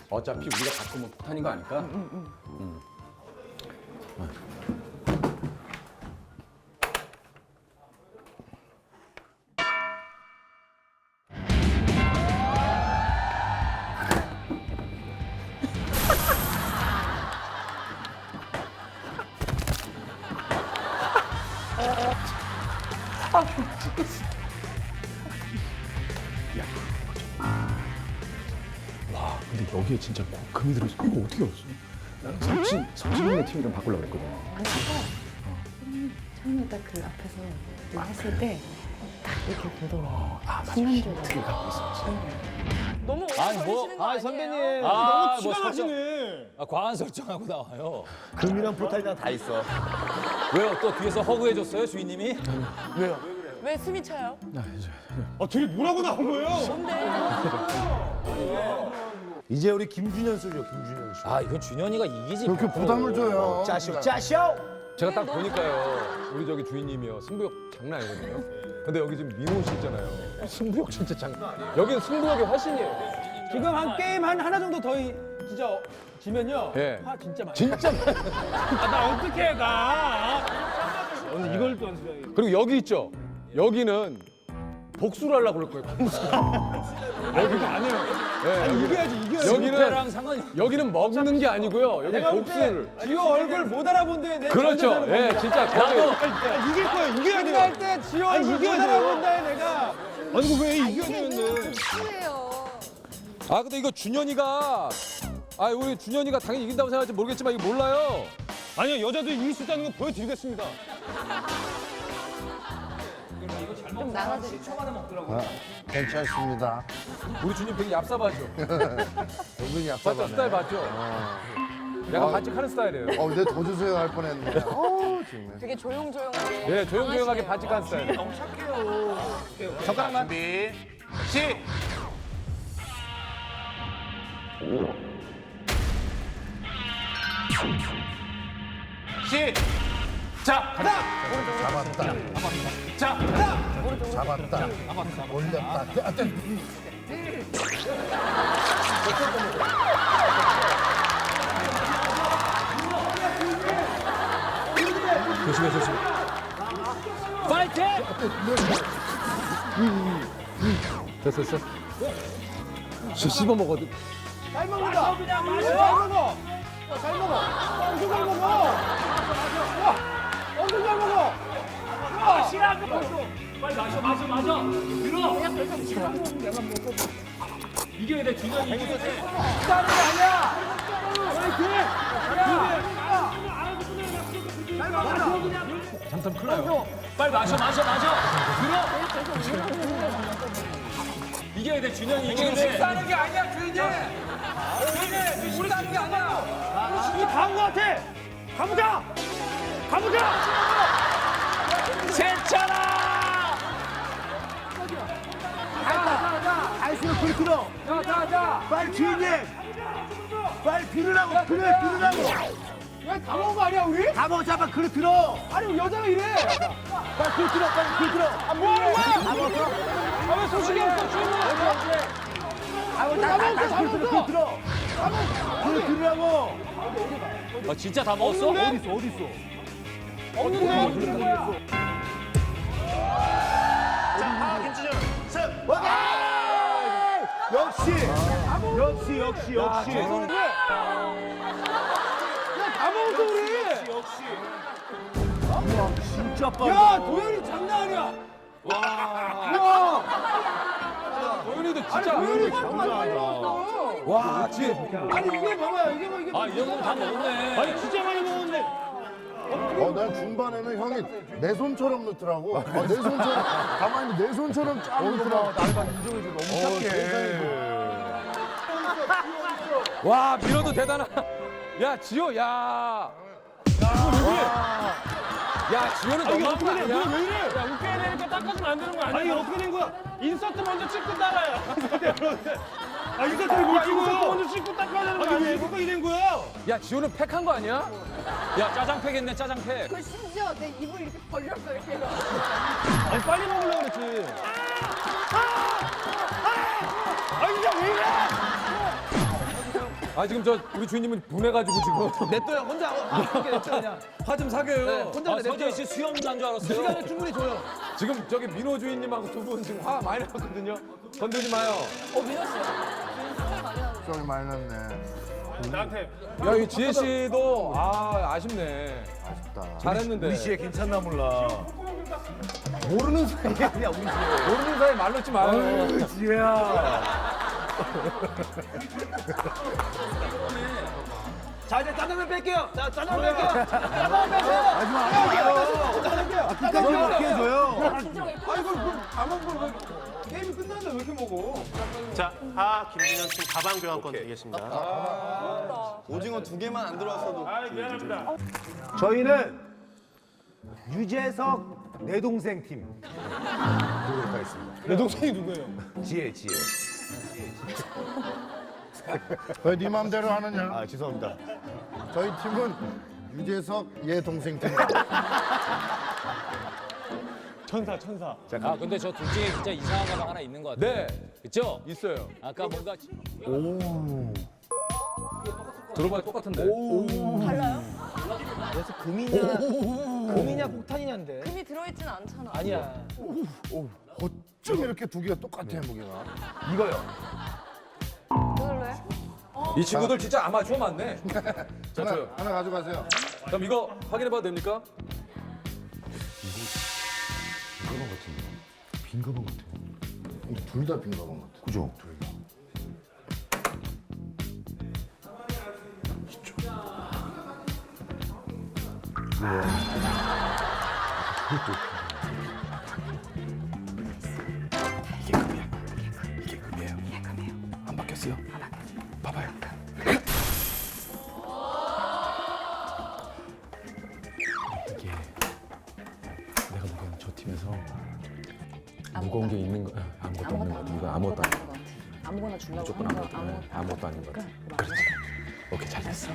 어차피 우리가 바꾸면 폭탄인 거 아닐까? 와, 근데 여기에 진짜 금이 들어있어. 이거 어떻게 알았어? 나는 석진이네 팀이랑 바꾸려고 그랬거든. 처음에 딱 그 앞에서 늘 했을 때 딱 이렇게 보더라고요. 아, 맞아. 순간적으로. 힌트를 갖고 있었지. 너무 오래 아니, 걸리시는 거 아니에요? 선배님. 너무 뭐 티가 나시네. 과한 설정하고 나와요. 금이랑 포탈이랑 다 있어. 왜요? 또 뒤에서 허그해줬어요, 주인님이? 왜 숨이 차요? 둘이 뭐라고 나온 거예요? 이제 우리 김준현 쓰죠, 김준현 씨. 아, 이건 준현이가 이기지. 그렇게 부담을 줘요. 짜쇼, 짜쇼. 제가 딱 보니까요. 우리 저기 주인님이요. 승부욕 장난 아니거든요. 근데 여기 지금 민호 씨 있잖아요. 승부욕 진짜 장난 아니에요. 여기는 승부욕이 훨씬이에요. 지금 한 게임 하나 정도 더 진짜 지면요. 예. 화 진짜 많이. 진짜. 나 어떻게 가? 오늘 이걸 또 연습해야 그리고 여기 있죠. 여기는 복수를 하려고 그럴 거예요. 여기는 안 해요. 예, 아니 이겨야지, 이겨야지. 여기랑 상관이 여기는 먹는 게 아니고요. 여기 내가 복수를. 볼때 지호 얼굴 못 알아본데 내가 그렇죠. 예, 진짜 거기. 이길 거야, 이겨야 돼. 할때 지호 얼굴 못 알아본다 내가. 아니 이거 왜 이겨야 되는데? 아 근데 이거 준현이가 우리 준현이가 당연히 이긴다고 생각할지 모르겠지만 이거 몰라요. 아니요, 여자도 이길 수 있다는 거 보여드리겠습니다. 좀 나눠드릴까요? 괜찮습니다. 우리 준현 되게 얍삽하죠. 은근히 맞죠? 스타일 약사바네. 맞죠? 내가 반칙하는 스타일이에요. 근데 더 주세요 할 뻔했네. 정말. 되게 조용조용하게. 예, 조용조용하게 반칙하는 스타일. 잠깐만. 준비, 시! 시! 자! 하나! 잡았다. 자! 하나! 잡았다. 올렸다. 아, 조심해, 조심해. 파이팅! 됐어, 됐어. 씹어 먹어도. 잘 먹는다. 잘 먹어. 잘 먹어. 엄청 잘 먹어. 와, 엄청 잘 먹어. 시라고 벌써. 빨리 마셔, 마셔, 마셔. 들어. 이겨야 돼, 준현이 이겨야 돼. 다른 게 아니야. 파이팅. 잘 먹어. 잠깐 큰일 나요. 빨리 마셔, 마셔, 마셔. 들어. 이겨야 돼, 준현이 이겨야 돼. 식사하는 게 아니야, 주인님. 주인님, 식사하는 게 아니야. 우리 다온 것 같아. 가보자. 가보자. 괜찮아. 아이스로 불 들어. 자. 빨리 주인님. 빨리 들으라고. 그래, 들으라고. 왜 다 먹은 거 아니야, 우리? 다 먹어, 잡아. 그래, 들어. 아니, 우리 여자가 이래. 빨리 그 들어, 빨리 그 들어. 아, 뭐 하는 거야? 다 먹었어? 아, 왜 소식이 없어, 주인님? 다 먹었어. 그 들어. 그래, 들으라고. 진짜 다 먹었어? 어디 있어? 없는데? 역시. 야, 다 먹었어, 우리. 진짜 빨리. 야, 도현이 장난 아니야. 와. 도현이도 아니, 진짜. 도현이 장난 아니야. 와, 뒤에. 아니, 이게 봐봐요. 이게 봐. 아, 이 정도면 다 먹었네. 아니, 진짜 많이 먹었는데. 난 중반에는 형이 내 손처럼 넣더라고. 내 손처럼 가만히 내 손처럼 쫙 넣더라고. 날만 인정해줘 너무 착해. 와, 밀어도 대단하다. 야, 지호, 야. 야, 지호는 너무한 거 아니야? 왜 이래? 야, 웃겨야 되니까 닦아주면 안 되는 거 아니야? 아니, 어떻게 된 거야? 인서트 먼저 찍고 따라요. 인서트를 못 찍어요. 인서트 먼저 찍고 닦아야 되는 거 아니야? 왜 이렇게 된 거야? 야, 지호는 팩한 거 아니야? 야, 짜장팩 했네, 짜장팩. 그 심지어 내 입을 이렇게 벌렸어 이렇게. 아니, 빨리 먹으려고 그랬지. 아, 진짜 왜 이래? 아 지금 저 우리 주인님은 분해가지고 지금 냅둬요. 혼자 이렇게 냅둬 그냥. 화 좀 사겨요. 혼자 냅둬. 서재희 씨 수염 난 줄 알았어요. 시간을 충분히 줘요. 지금 저기 민호 주인님하고 두 분 지금 화 많이 났거든요. 건들지 마요. 좀 많이 났네. 나한테 야, 이 지혜 씨도 아쉽네. 아쉽다. 잘했는데. 우리 씨의 괜찮나 몰라. 모르는 사이에 그냥 우리 지혜. 모르는 사이에 말로 지 마요. 지혜야. 자 이제 짜장면 뺄게요. 자 짜장면 뺄게요. 짜장면 빼세요. 끝까지 먹게 해줘요. 게임이 끝났는데 왜 이렇게 먹어? 자, 김진현 팀 가방 교환권 드리겠습니다. 오징어 2개만 안 들어왔어도. 아 미안합니다. 저희는 유재석 내 동생 팀 드리도록 하겠습니다. 내 동생이 누구예요? 지혜. 왜 네 맘대로 하느냐? 아 죄송합니다. 저희 팀은 유재석 얘 동생 팀. 천사. 아 근데 저 둘 중에 진짜 이상한 가방 하나 있는 것 같아요. 네, 그쵸? 있어요. 아까 뭔가 들어봐야 똑같은데. 달라요? 그래서 금이냐 폭탄이냐인데. 금이 들어있진 않잖아. 아니야. 어쩜 이렇게 두 개가 똑같아 무게가? 이거요. 그걸로 해? 이 친구들 진짜 아마추어 맞네. 자, 저요. 하나 가져가세요. 그럼 이거 확인해봐도 됩니까? 빈 가방 같아. 둘 다 빈 가방 같아. 그죠? 둘 다. 내가 보기에는 저 팀에서 무거운 게 있는 거 아무것도 없는 거 같아. 이거 아무것도 아닌 거 같아. 아무거나 주려고 무조건 하는 거 아무것도 아닌 거 같아. 그렇지. 오케이 잘 됐어.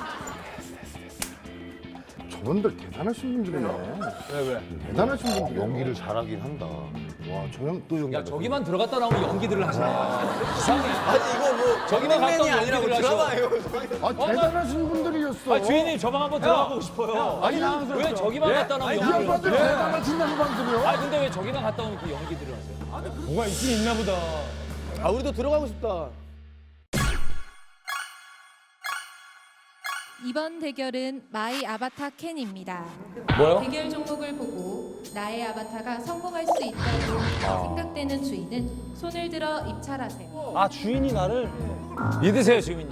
저분들 대단하신 분들이네. 왜? 대단하신 분들. 연기를 잘하긴 한다. 와, 저 형 또 연기. 야 저기만 들어갔다 나오면 연기들을 하시네. 이상해. 아니 이거 뭐 저기만 갔다 오면 아니라고 연기들을 하셔. 드라마예요. 아, 대단하신 분들이었어. 아 주인님 저 방 한번 들어가보고 싶어요. 아니 왜 저기만 갔다 나오면 이 연기를 양반들 하세요? 대단하신 양반들이요. 아 근데 왜 저기만 갔다 오면 그 연기들을 하세요? 뭐가 있긴 있나 보다. 아 우리도 들어가고 싶다. 이번 대결은 마이 아바타 캔입니다. 뭐요? 대결 종목을 보고 나의 아바타가 성공할 수 있다고 생각되는 주인은 손을 들어 입찰하세요. 아 주인이 나를. 믿으세요 주인님.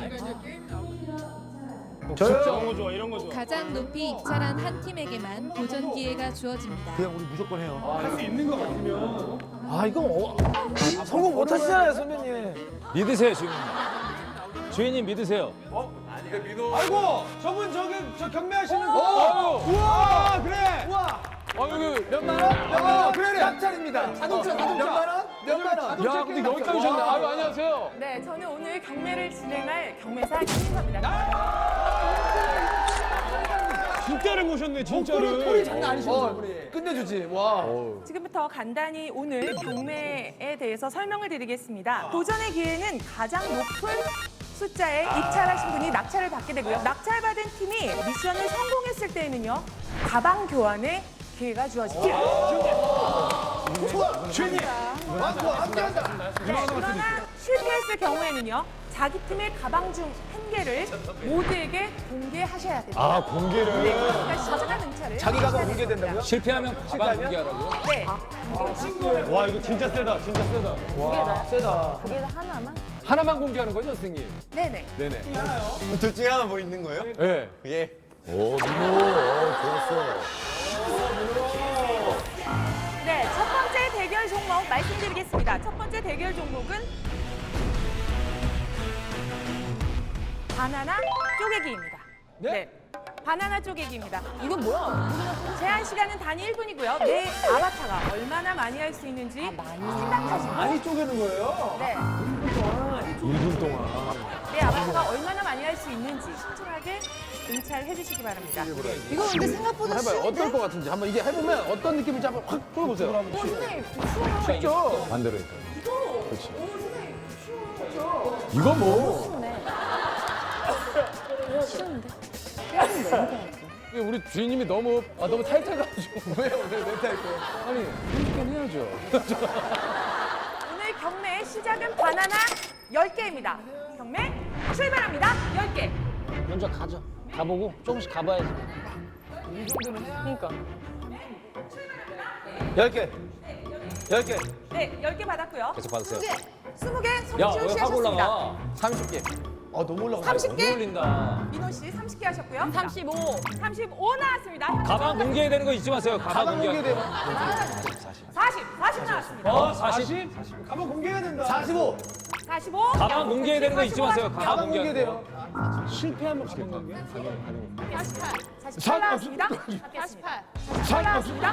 이런 거 좋아. 가장 높이 입찰한 한 팀에게만 도전 기회가 주어집니다. 그냥 우리 무조건 해요. 할 수 있는 거 같으면. 아 이거 성공 못 하시잖아요 선배님. 믿으세요 주인님. 주인님 믿으세요. 아이고 저분 저 경매하시는 거. 우와 그래. 우와. 여기 몇만 원? 그래. 낙찰입니다. 자동차. 몇만 원? 몇만 원? 야 근데 여기까지 오셨네. 아유 안녕하세요. 네, 저는 오늘 경매를 진행할 경매사 김인서입니다. 진짜를 모셨네 진짜를. 꼴이 장난 아니시죠? 끝내주지. 와. 지금부터 간단히 오늘 경매에 대해서 설명을 드리겠습니다. 도전의 기회는 가장 높은 숫자에 입찰하신 분이 낙찰을 받게 되고요. 낙찰받은 팀이 미션을 성공했을 때에는요, 가방 교환의 기회가 주어집니다. 주인님. 네, 그러나 실패했을 경우에는요, 자기 팀의 가방 중 한 개를 모두에게 공개하셔야 됩니다. 아 공개를. 네, 그러니까 시간 응찰을 자기 가방 하셔야 공개된다고요? 됩니다. 실패하면 가방 공개하라고요? 네, 와 이거 진짜 세다. 진짜 세다. 세다. 거기에서 하나만? 하나만 공개하는 거죠, 선생님? 네네. 네네. 둘 중에 하나 뭐 있는 거예요? 네. 예. 오, 좋았어. 네, 첫 번째 대결 종목 말씀드리겠습니다. 첫 번째 대결 종목은 바나나 쪼개기입니다. 네. 바나나 쪼개기입니다. 이건 뭐야? 제한 시간은 단 1분이고요. 내 아바타가 얼마나 많이 할 수 있는지 생각하시고 많이 쪼개는 거예요? 네. 1분 동안. 내 아바타가 얼마나 많이 할 수 있는지 신중하게 응찰해 주시기 바랍니다. 이거 근데 생각보다 해봐요. 어떨 것 같은지 한번 이게 해보면 어떤 느낌인지 한번 확 보여보세요. 선생님, 쉽죠? 반대로 했다. 그렇지. 이거 뭐? 찢었는데. 깨는데. 우리 주인님이 너무 타이트해가지고 왜 타이트? 아니 이렇게 해야죠. 오늘 경매의 시작은 바나나 10개입니다. 경매 출발합니다. 10개. 먼저 가죠. 가보고 조금씩 가봐야지. 그러니까. 10개. 10개. 네, 10개 받았고요. 계속 받으세요. 20개 야, 송지훈 씨 왜 확 하셨습니다. 올라가? 30개. 너무 올라가. 30개 올린다. 민호 씨 30개 하셨고요. 35. 35 나왔습니다. 현재 가방 공개해야 되는 거 잊지 마세요. 가방 공개. 40 나왔습니다. 40? 가방 공개해야 된다. 45. 45. 가방 공개해야 되는 거 잊지 마세요. 가방 공개돼요. 실패하면 가방 공개. 48 나왔습니다. 48 나왔습니다.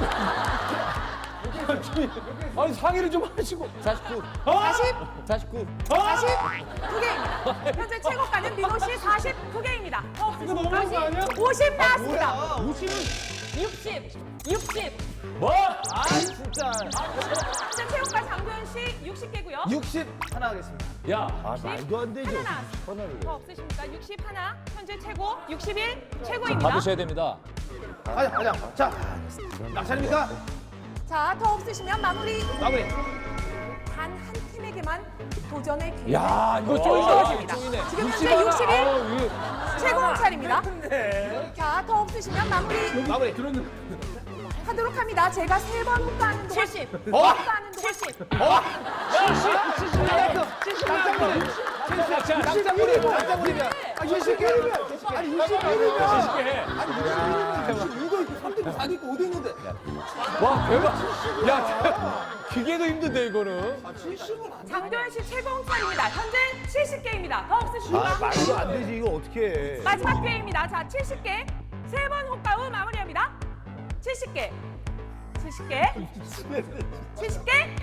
아니 상의를 좀 하시고. 49. 40 49. 49개입니다. 현재 최고가는 민호 씨 49개입니다. 이거 너무한 거 아니야? 50 나왔습니다. 50은 60. 뭐? 아, 진짜. 현재 최고가 장도연 씨 60개고요. 60 하나 하겠습니다. 야, 말도 안 되죠. 하나 나왔습니다. 더 없으십니까? 60 하나. 현재 최고 61 최고입니다. 받으셔야 됩니다. 가자. 자, 낙찰입니까? 자, 더 없으시면 마무리. 마무리. 단 한 팀에게만 도전의 기회. 야, 이거 쪼이다. 쪼이네. 지금 현재 61 최고 공찰입니다. 자, 더 없으시면 마무리 마무리. 하도록 합니다. 제가 3번 호가하는 동안 70. 호가하는 동안 70. 낙찰물이면. 아, 20개이면. 아니, 20개이면. 와, 대박. 야, 기계도 힘든데 이거는. 장도연 씨 최고 공찰입니다. 현재 70개입니다. 더 없으십니까? 말도 안 되지. 이거 어떻게 해. 마지막 기회입니다. 자, 70개. 3번 호가 후 마무리합니다. 70개. 70개. 70개.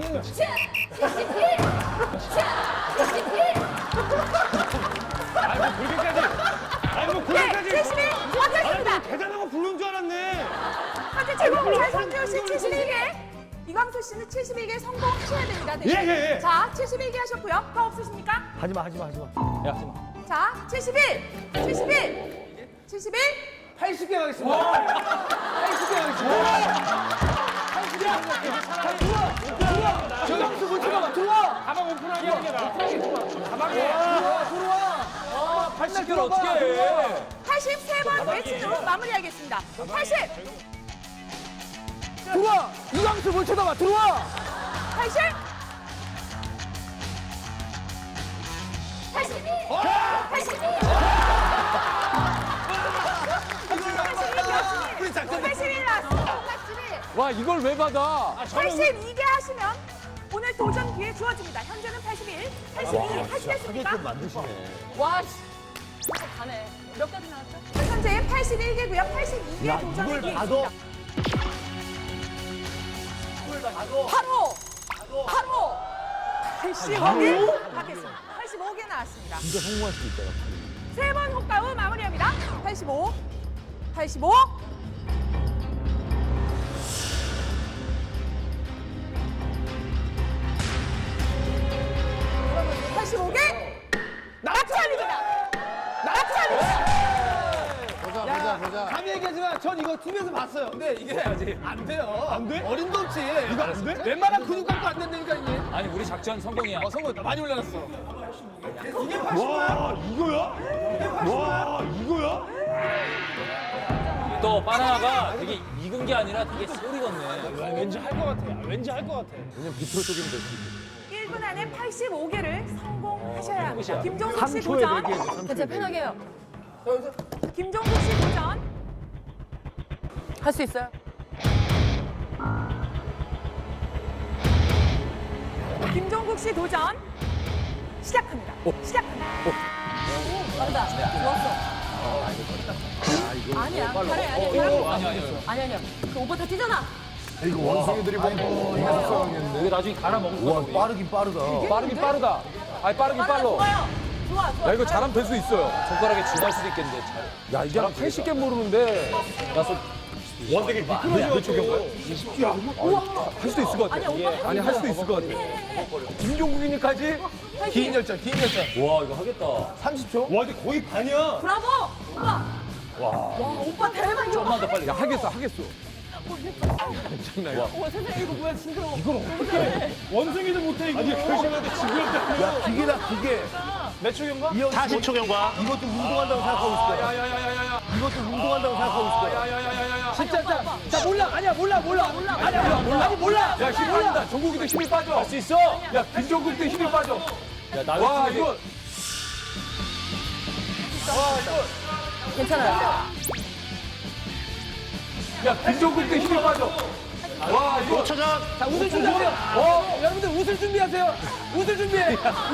그렇게까지. 71 완성입니다. 대단한 거 부른 줄 알았네. 현재 최고 공찰 성지훈 씨 71개. 이광수 씨는 71개 성공하셔야 됩니다. 네. 예. 자, 71개 하셨고요. 더 없으십니까? 하지마. 야, 하지 마. 자, 71. 80개 가겠습니다. 80개 가겠습니다. 저장수 못 들어가. 들어와. 가방 오픈하게 하는 게 나아. 들어와. 80개를 어떻게 해? 83번 외치로 마무리하겠습니다. 80. 들어와. 이광수 못 쳐다봐. 들어와. 80. 82. 82. 81 나왔습니다. 81. 와, 이걸 왜 받아? 82개 하시면 오늘 도전 기회 주어집니다. 현재는 81, 82 하시겠습니까? 와, 씨. 가네. 몇 가지 나왔죠? 현재 81개고요. 82개 도전의 기회 있습니다. 바로 85개 받겠습니다. 85개 나왔습니다. 진짜 성공할 수도 있다. 3번 호가 후 마무리합니다. 85, 85. 85개 낙찰입니다. 보자. 감히 얘기하지만 전 이거 TV에서 봤어요. 근데 이게 안 돼요. 안 돼? 어림도없이. 이거 안 돼? 웬만한 근육 갖고 안 된다니까 이게. 아니, 우리 작전 성공이야. 성공 많이 올라갔어. 와, 이거야? 와, 이거야? 또 바나나가 되게 익은 게 아니라 되게 소리겠네. 왠지 할 것 같아. 왠지 할 것 같아. 그냥 비트로 쪽이면 될 수 있겠다. 1분 안에 85개를 성공하셔야 합니다. 끝이야. 김종국 씨 3초에 도전. 4개. 진짜 편하게 해요. 김종국 씨 도전. 할 수 있어요? 김종국 씨 도전. 시작합니다. 시작합니다. 빠르다. 좋았어. 아니야. 잘해. 아니야. 그 오빠 다 뛰잖아. 이거 원숭이들이 보면 이거 싸우겠는데. 이게 나중에 갈아 먹을 거야. 와, 빠르긴 빠르다. 빠르긴 빠르다. 아니, 빠르긴 빨라. 좋아요. 좋아. 야, 이거 잘하면 될 수 있어요. 손가락에 쥐날 수도 있겠는데. 야, 이게 한 80개 모르는데. 야, 와 되게 미끄러져. 할 수도 있을 것 같아. 아니 할 수도 있을 것 같아. 김종국이니까지 긴 열전. 와 이거 하겠다. 30초. 와 근데 거의 반이야. 브라보! 오빠! 와, 오빠 대박! 좀만 더 빨리. 야 하겠어. 장난이야. 와, 세상에 이거 뭐야, 징그러워. 원숭이도 못해 이거. 아니 결승한테 지구였다. 야, 기계다, 기계. 몇 초경과? 40초 경과. 이것도 운동한다고 생각하고 있을 거야. 야야야야야야. 이것도 운동한다고 생각하고 있을 거야. 야야야야야. 진짜 자 몰라. 아니야 몰라. 아니 몰라. 야 힘이 빠진다. 종국이도 힘이 빠져. 할 수 있어. 야 김종국도 힘이 빠져. 야 나도 와 이거. 괜찮아요. 야 김종국도 힘이 빠져. 와 이거. 5초 전. 자 웃을 준비하세요. 여러분들 웃을 준비하세요. 웃을 준비해.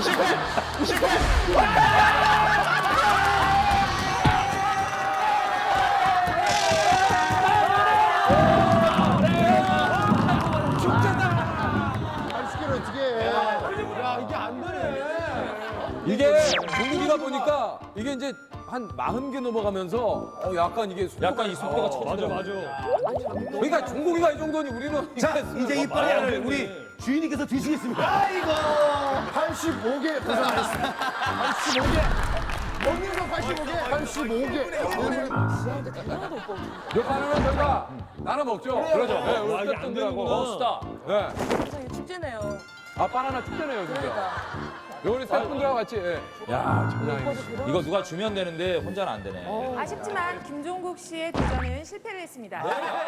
시계를 어떻게 해. 야 이게 안 되네. 이게 종국이다 보니까 이게 이제 한 40개 넘어가면서 약간 이게 약간 이 속도가 맞아 쳐지더라고. 맞아. 그러니까 종국이가 이 정도니 우리는 자, 이제 이 빨래를 우리 주인님께서 드시겠습니다. 아이고, 85개 고생하셨습니다. 85개. 여기서 85개. 85개. 요 바나나 저희가 나눠 먹죠. 그러죠. 네, 우리 아, 이게 안 스태프분들하고. 되는구나. 네. 세상에 축제네요. 아 바나나 특별해요 진짜. 요 우리 스태프분들하고 같이. 예. 야 장난 아니네. 이거 누가 주면 되는데 혼자는 안 되네. 아쉽지만 김종국 씨의 도전은 실패를 했습니다.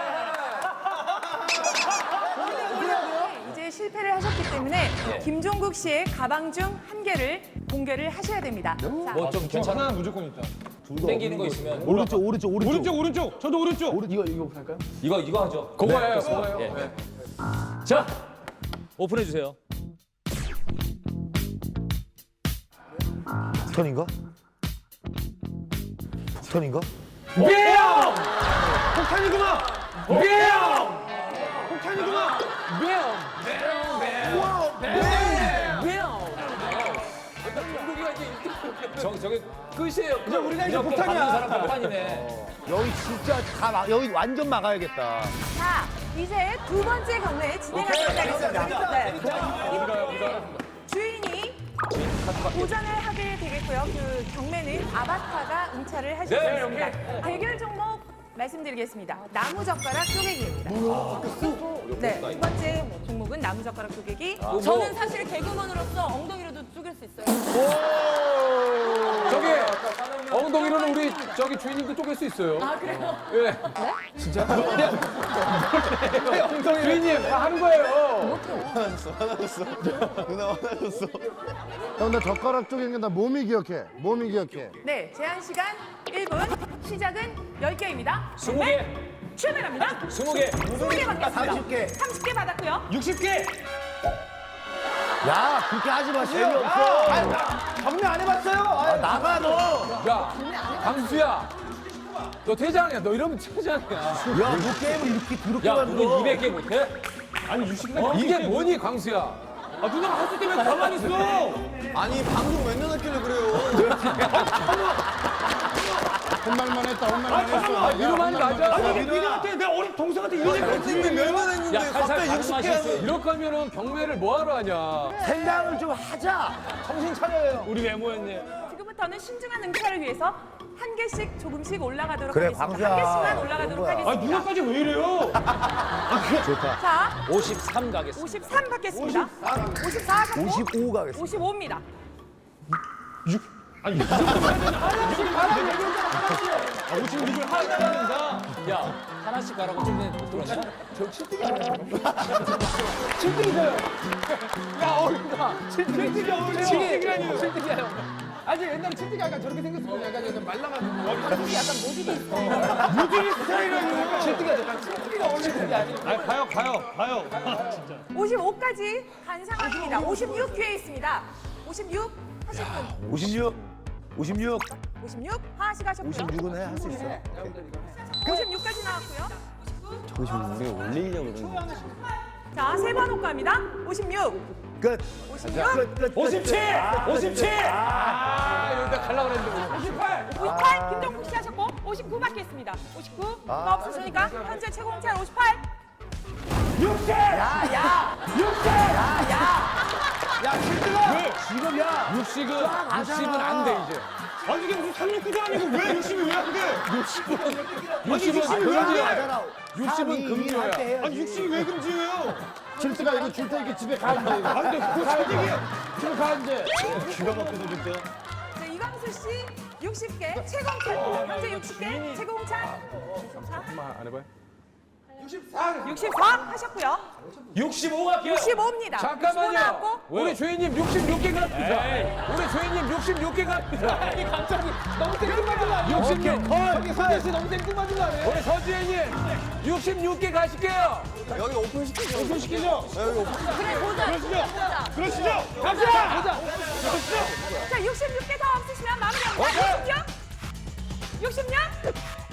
이제 실패를 하셨기 때문에 김종국 씨의 가방 중 한 개를 공개를 하셔야 됩니다. 자, 뭐 좀 괜찮아? 하나 무조건 있다. 땡기는 거 있으면 오른쪽. 저도 오른쪽. 이거 할까요? 이거 하죠. 그거예요. 그거예요. 예. 네. 자 오픈해 주세요. 스턴인가? 스턴인가? 폭탄이구나. 폭탄이구나. 종국이가 이제 저게 끝이에요. 이제 우리가 이제 받는 폭탄이야. 사람 폭탄이네. 여기 진짜 여기 완전 막아야겠다. 자, 이제 두 번째 경매 진행하도록 하겠습니다. 네. 주인이 도전을 하게 되겠고요. 그 경매는 아바타가 응찰을 하실 수 있습니다. 대결 종목 말씀드리겠습니다. 나무젓가락 쪼개기입니다. 네, 두 번째 종목은 나무젓가락 쪼개기. 저는 사실 개그맨으로서 엉덩이로도 쪼갤 수 있어요. 저기 엉덩이로는 우리 저기 주인님도 쪼갤 수 있어요. 아, 그래요? 예. 진짜? 주인님 다 하는 거예요. 화나졌어. 누나 화나졌어. 형, 나 젓가락 쪽에 나 몸이 기억해. 네, 제한 시간 1분, 시작은 10개입니다. 20개. 출발합니다. 20개. 20개 받겠습니다. 30개. 30개 받았고요. 60개. 야, 그렇게 하지 마. 재미없어. 경매 안 해봤어요. 나가 너. 야, 강수야. 너 퇴장이야. 너 이러면 퇴장이야. 야, 너 게임을 이렇게 더럽게 야 만들어. 너는 200개 못해? 아니 60개. 이게 뭐니, 강수야? 아 누나가 할수 때문에 가만히 있어. 아니 방송 몇 년 했길래 그래요. 혼날만 했다. 이러면 맞아. 아니 니네한테 내 어린 동생한테 이런 얘기 했는데 몇년 했는데 야 살살 갑자기 60개 말씀하실 수 하면. 이럴 거면은 경매를 뭐하러 하냐. 생각을 좀 하자. 정신 차려요. 우리 외모였네. 지금부터는 신중한 응찰을 위해서 한 개씩 조금씩 올라가도록 그래, 하겠습니다. 광수야. 한 개씩만 그런 올라가도록 거야. 아 하겠습니다. 누나까지 왜 이래요? 자, 53 가겠습니다. 53 받겠습니다. 54 하셨고 55 가겠습니다. 55입니다. 아니 이 정도면 해야 되나? 아 56을 하나 야 하나씩 가라고 좀 전에 못 들었냐? 칠뜨기라니요. 아니 옛날에 칠뜨기 약간 저렇게 생겼었거든요. 약간 말라가지고 머리 약간 모질이 있어. 무지개 스타일이라니요. 칠뜨기가 어울리는 게 아니에요. 아 가요. 아, 진짜. 55까지 간 상황입니다. 56 기회 있습니다. 56 하실 분. 56. 56 하나씩 하셨고요. 56은 할 수 있어. 56까지 나왔고요. 우리가 올리려고 그러는 거야. 자, 세 번 호가입니다. 56, 끝. 56, 끝. 57. 아, 여기다 가려고 그랬는데. 58, 김정국 씨 하셨고 59 받겠습니다. 59가 없으십니까? 현재 최고 공채 58. 60! 야, 7등아! 왜? 지금 야! 60은 안 돼 이제. 아니 이게 무슨 369도 아니고 왜 60이 왜 안 돼? 60은 금지야. 60은 금지야. 아니 60이 왜 금지예요? 칠트가 이거 줄 테니까 집에 가 이제. 이거. 안 돼, 그거 사기야. 집에 가 이제. 기가 막혀서 진짜. 자, 이광수 씨 60개 최고 공채. 현재 60개 최고 공채. 64. 한번 안 해봐요? 64 하셨고요. 65 갈게요. 65입니다. 잠깐만요. 우리 주인님 66개 갑니다. 우리 주인님 66개 갑니다. 아니, 갑자기 너무 땡뚱맞은 거 아니야? 66. 저기 서재 씨 너무 땡뚱맞은 거 아니에요? 우리 서지혜님 66개 가실게요. 여기 오픈 시키죠. 오픈 시키죠. 여기 오픈. 그래 보자. 그러시죠. 갑시다. 자, 66개 더 없으시면 마무리합니다. 66? 66?